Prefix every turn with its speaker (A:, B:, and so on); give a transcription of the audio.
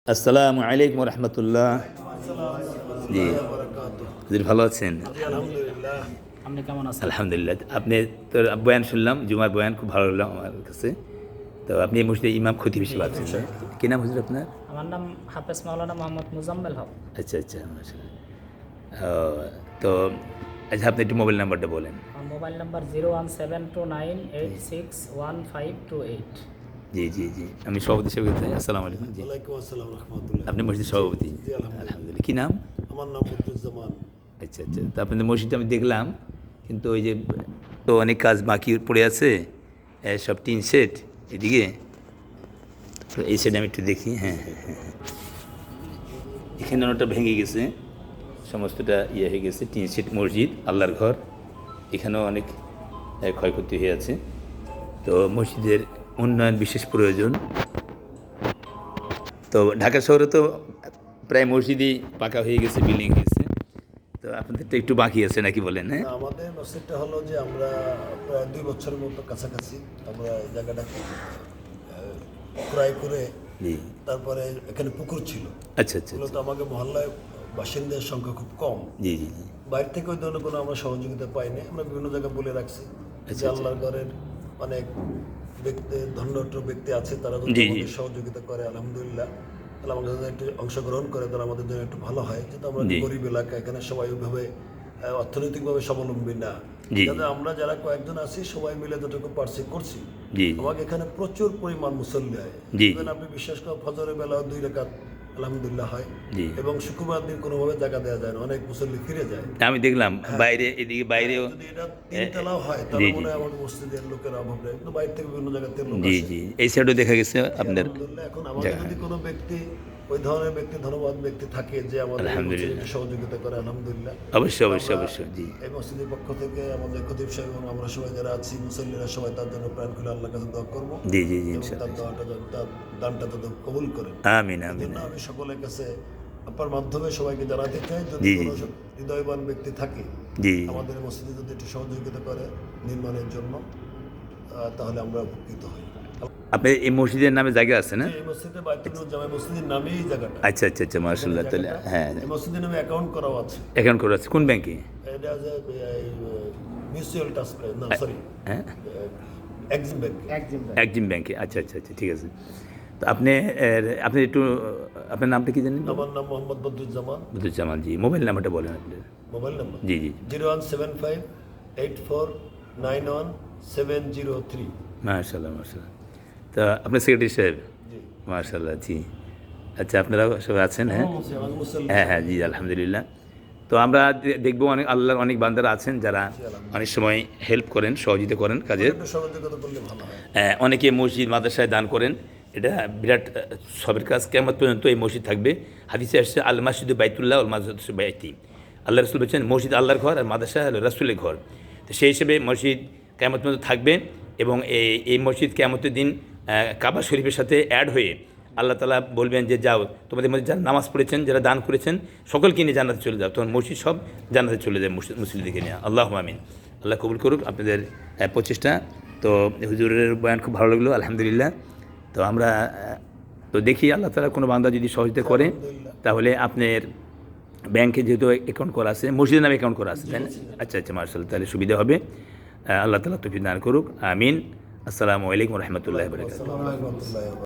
A: আসসালামু আলাইকুম রহমতুল্লাহ। জি, হুজুর ভালো আছেন?
B: আপনি কেমন আছেন?
A: আলহামদুলিল্লাহ। আপনি তো বয়ান শুনলাম, জুমার বয়ান খুব ভালো লাগলো আমার কাছে। তো আপনি এই মসজিদে ইমাম খতিব হিসেবে আছেন, না? কি নাম হুজুর আপনার?
B: আমার নাম হাফেজ মাওলানা মোহাম্মদ মুজাম্মেল হক।
A: আচ্ছা আচ্ছা, মাশাআল্লাহ। তো আচ্ছা, আপনি একটু মোবাইল নাম্বারটা বলেন।
B: আমার মোবাইল নাম্বার 01729861528।
A: জি জি জি, আমি সভাপতি হিসেবে আসসালামু আলাইকুম। জি,
C: ওয়ালাইকুম আসসালাম রহমতুল্লাহ।
A: আপনি মসজিদ সভাপতি?
C: জি আলহামদুলিল্লাহ।
A: আলহামদুলিল্লাহ। কি নাম?
C: আমার নাম বদরুজ্জামান।
A: আচ্ছা আচ্ছা, তো আপনাদের মসজিদটা আমি দেখলাম, কিন্তু ওই যে তো অনেক কাজ বাকি পড়ে আছে, সব টিন সেট এদিকে, তো এই সাইডে আমি একটু দেখি। হ্যাঁ হ্যাঁ হ্যাঁ হ্যাঁ, এখানে ওটা ভেঙে গেছে, সমস্তটা ইয়ে হয়ে গেছে, টিন সেট মসজিদ, আল্লাহর ঘর, এখানেও অনেক ক্ষয়ক্ষতি হয়ে আছে। তো মসজিদের উন্নয়ন বিশেষ প্রয়োজন। তো ঢাকা শহরে তো প্রায় মসজিদই পাকা হয়ে গেছে, বিল্ডিং হয়েছে, তো আপনাদের তো একটু বাকি আছে নাকি বলেন? হ্যাঁ,
C: না, আমাদের মসজিদটা হলো যে আমরা প্রায় 2 বছরের মতো কাছাকাছি আমরা এই জায়গাটাকে ক্রয় করে,
A: জি,
C: তারপরে এখানে পুকুর ছিল।
A: আচ্ছা আচ্ছা
C: মূলত আমাকে মহল্লায় বাসিন্দার সংখ্যা খুব কম।
A: জি জি জি,
C: বাইরে থেকে ওই ধরনের কোনো আমরা সহযোগিতা পাইনি। আমরা বিভিন্ন জায়গায় বলে রাখছি যে
A: আচ্ছা।
C: আল্লাহর ঘরের অনেক ব্যক্তি, ধন্যট্র ব্যক্তি আছে, তারা যদি
A: জি, জি।
C: আমাদের সহযোগিতা করে আলহামদুলিল্লাহ, তাহলে আমাদের যদি একটু অংশগ্রহণ করে তাহলে আমাদের জন্য একটু ভালো হয়। যেহেতু আমরা
A: জি।
C: গরিব এলাকা, এখানে সবাই ওইভাবে অর্থনৈতিকভাবে স্বাবলম্বী না।
A: জি।
C: যাতে আমরা যারা কয়েকজন আছি সবাই মিলে যতটুকু পারছি করছি।
A: জি
C: আমাকে এখানে প্রচুর পরিমাণ মুসল্লি হয়।
A: জি।
C: Even আপনি বিশ্বাস করেন ফজরের বেলা 2 রাকাত আলহামদুলিল্লাহ হয়।
A: জি,
C: এবং শুক্রবার দিন কোনোভাবে জায়গা দেওয়া যায় না, অনেক মুসল্লি ফিরে যায়।
A: আমি দেখলাম বাইরে, এদিকে বাইরেও।
C: যদি এটা 3 তলাও হয়
A: জি
C: তাহলে
A: জি
C: মনে হয় আমার মসজিদের লোকের অভাব নেই, কিন্তু বাইরে থেকে বিভিন্ন জায়গা থেকে লোক
A: জি
C: আসে।
A: জি, এই সাইডও দেখা গেছে আপনাদের।
C: আলহামদুলিল্লাহ, এখন আমাদের
A: জায়গা।
C: যদি কোনো ব্যক্তি ওই ধরনের ব্যক্তি, ধন্যবাদ ব্যক্তি থাকে যে আমাদের এই
A: আলহামদুলিল্লাহ।
C: মসজিদে সহযোগিতা করে, আলহামদুলিল্লাহ।
A: অবশ্যই অবশ্যই
C: আমরা
A: অবশ্যই। জি,
C: এই মসজিদের পক্ষ থেকে আমাদের খতিব সাহেব এবং আমরা সবাই যারা আছি মুসল্লিরা সবাই তার জন্য প্রাণ খুলে আল্লাহর কাছে দোয়া করবো
A: জি জি জি,
C: এবং
A: ইনশাআল্লাহ।
C: তার দোয়াটা তার দানটা তত কবুল করেন।
A: আমিন
C: এই
A: আমিন।
C: জন্য আমি সকলের কাছে আপনার মাধ্যমে সবাইকে জানাতে চাই, যদি
A: জি, জি,
C: কোনো
A: জি।
C: হৃদয়বান ব্যক্তি থাকে
A: জি,
C: আমাদের মসজিদে যদি একটু সহযোগিতা করে নির্মাণের জন্য, তাহলে আমরা উপকৃত হই।
A: আপনার এই মসজিদের নামে জায়গা আছে না?
C: এই মসজিদে বাইতুল জামে মসজিদের নামেই এই জায়গাটা।
A: আচ্ছা আচ্ছা আচ্ছা, মাশাআল্লাহ। তাহলে হ্যাঁ,
C: এই মসজিদের নামে অ্যাকাউন্ট করাও আছে।
A: এখন করে আছে কোন ব্যাংকে?
C: এটা যে মিউচুয়াল ট্রাস্ট, না সরি,
A: হ্যাঁ,
C: এক্সিম ব্যাংক।
A: একজিম ব্যাংকে। আচ্ছা আচ্ছা আচ্ছা, ঠিক আছে। তো আপনি আপনি একটু আপনার নামটা কি জানেন?
C: আমার নাম মোহাম্মদ বদরুজ্জামান।
A: বুদ্ধুজ্জামান। জি, মোবাইল নাম্বারটা বলেন আপনার।
C: মোবাইল নাম্বার
A: জি জি,
C: 0175849170
A: মাশাআল্লাহ মাশাআল্লাহ। তা আপনার সেক্রেটারি সাহেব?
C: জি।
A: মাশাআল্লাহ। জি, আচ্ছা, আপনারা সবাই আছেন? হ্যাঁ
C: আমার মুসল্লি।
A: হ্যাঁ হ্যাঁ, জি আলহামদুলিল্লাহ। তো আমরা দেখবো অনেক আল্লাহর অনেক বান্দারা আছেন যারা অনেক সময় হেল্প করেন, সহযোগিতা করেন কাজের।
C: একটু সহযোগিতা করলে ভালো হয়।
A: অনেকে মসজিদ মাদ্রাসায় দান করেন, এটা বিরাট সবের কাজ। কিয়ামত পর্যন্ত এই মসজিদ থাকবে। হাদিসে আসছে আল মাসজিদু বাইতুল্লাহ ওয়াল মাদ্রাসাতু বাইতি। আল্লাহ রাসূল বলেছেন মসজিদ আল্লাহর ঘর আর মাদ্রাসা হলো রাসূলের ঘর। তো সেই হিসেবে মসজিদ কিয়ামত পর্যন্ত থাকবে, এবং এই মসজিদ কিয়ামতের দিন কাবা শরীফের সাথে অ্যাড হয়ে আল্লাহ তাআলা বলবেন যে যাও, তোমাদের মধ্যে যারা নামাজ পড়েছেন, যারা দান করেছেন, সকলকে নিয়ে জান্নাতে চলে যাও। তখন মসজিদ সব জান্নাতে চলে যায় মুসলিমদেরকে নিয়ে। আল্লাহুম্মা আমিন। আল্লাহ কবুল করুক আপনাদের প্রচেষ্টা। তো হুজুরের বয়ান খুব ভালো লাগলো, আলহামদুলিল্লাহ। তো আমরা তো দেখি আল্লাহ তাআলা কোনো বান্দা যদি সহযোগিতা করে, তাহলে আপনার ব্যাংকে যেহেতু অ্যাকাউন্ট করা আছে, মসজিদের নামে অ্যাকাউন্ট করা আছে, তাই না? আচ্ছা আচ্ছা, মাশাআল্লাহ, তাহলে সুবিধা হবে। আল্লাহ তাআলা তৌফিক দান করুক, আমিন। আসসালামু আলাইকুম রহমতুল্লাহ বরকাতুহু।
C: আসসালামু আলাইকুম ওয়া রাহমাতুল্লাহি ওয়া বারাকাতুহু।